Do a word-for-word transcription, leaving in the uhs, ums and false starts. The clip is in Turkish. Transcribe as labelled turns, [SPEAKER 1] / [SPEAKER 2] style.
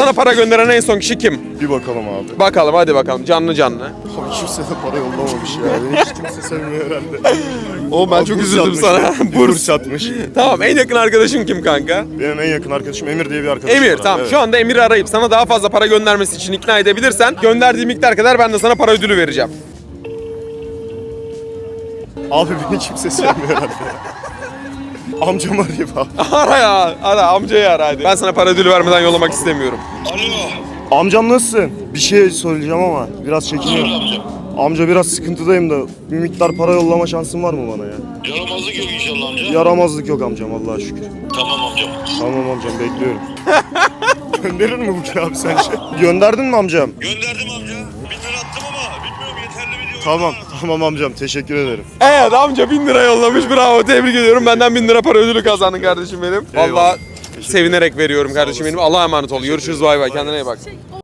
[SPEAKER 1] sana para gönderen en son kişi kim?
[SPEAKER 2] Bir bakalım abi.
[SPEAKER 1] Bakalım hadi bakalım canlı canlı.
[SPEAKER 2] Abi kimse de para yollamamış ya. Beni hiç kimse sevmiyor herhalde.
[SPEAKER 1] O ben
[SPEAKER 2] Abi
[SPEAKER 1] çok
[SPEAKER 2] burs
[SPEAKER 1] üzüldüm
[SPEAKER 2] atmış.
[SPEAKER 1] sana.
[SPEAKER 2] Burs atmış.
[SPEAKER 1] Tamam, en yakın arkadaşın kim kanka?
[SPEAKER 2] Benim en yakın arkadaşım Emir diye bir arkadaşım
[SPEAKER 1] Emir
[SPEAKER 2] var.
[SPEAKER 1] tamam.
[SPEAKER 2] Evet.
[SPEAKER 1] Şu anda Emir'i arayıp sana daha fazla para göndermesi için ikna edebilirsen gönderdiği miktar kadar ben de sana para ödülü vereceğim.
[SPEAKER 2] Abi beni kimse sevmiyor herhalde. Amcam arayayım abi.
[SPEAKER 1] Ara ya. Ara amcayı ara hadi. Ben sana para ödülü vermeden yollamak istemiyorum.
[SPEAKER 3] Alo.
[SPEAKER 2] Amcam nasılsın? Bir şey söyleyeceğim ama biraz çekiniyorum.
[SPEAKER 3] Amca.
[SPEAKER 2] Amca biraz sıkıntıdayım da bir miktar para yollama şansın var mı bana ya?
[SPEAKER 3] Yaramazlık yok inşallah amca.
[SPEAKER 2] Yaramazlık yok amcam Allah'a şükür.
[SPEAKER 3] Tamam amcam.
[SPEAKER 2] Tamam amcam bekliyorum. Gönderir mi bu ki abi sence? Gönderdin mi amcam?
[SPEAKER 3] Gönderdim amca. Bin lira attım ama bilmiyorum yeterli mi diyor.
[SPEAKER 2] Tamam tamam amcam teşekkür ederim.
[SPEAKER 1] Evet amca bin lira yollamış, bravo, tebrik ediyorum. Benden bin lira para ödülü kazandın kardeşim benim.
[SPEAKER 2] Eyvallah.
[SPEAKER 1] Vallahi sevinerek veriyorum kardeşim benim. Allah'a emanet ol. Görüşürüz, bay bay, kendine iyi bak.